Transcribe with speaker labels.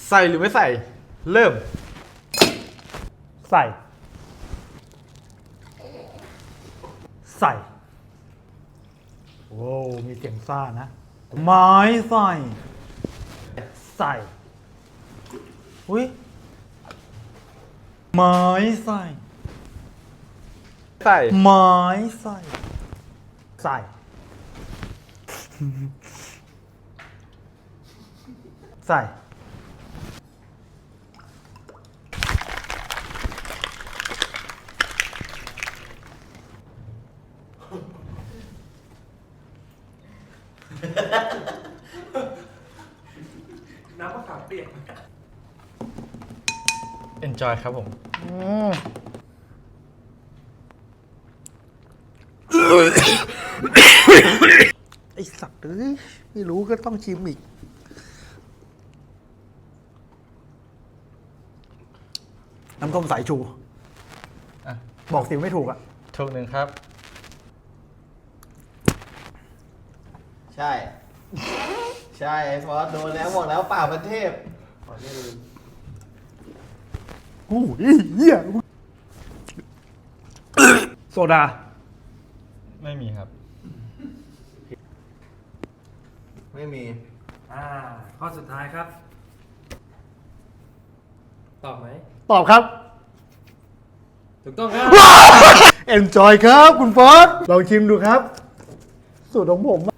Speaker 1: ใส่หรือไม่ใส่เริ่ม
Speaker 2: ใส่โอ้มีเสียงซ่านะไม้ใส่อุ้ยไม้ใส่
Speaker 1: ใส่
Speaker 2: ไม้ใส่ใส่
Speaker 3: น้ำมะขามเปียก
Speaker 1: enjoy ครับผม
Speaker 2: ไอสัตว์เอ้ยไม่รู้ก็ต้องชิมอีกน้ำส้มสายชู
Speaker 1: อ่ะ
Speaker 2: บอกสิไม่ถูกอ่ะ
Speaker 1: ถูกหนึ่งครับ
Speaker 4: ใช่ ใช่ไอ้ฟอสโดนแล้วบอกแล้วป่าประเทศ
Speaker 2: โอ้ยเหี้ยโซดา
Speaker 1: ไม่มีครับ
Speaker 4: ไม่มี
Speaker 3: ข้อสุดท้ายครับ ตอบไหม
Speaker 2: ตอบครับ
Speaker 3: ถูกต้องครับ
Speaker 2: Enjoy ครับคุณฟอสลองชิมดูครับ สูตรของผม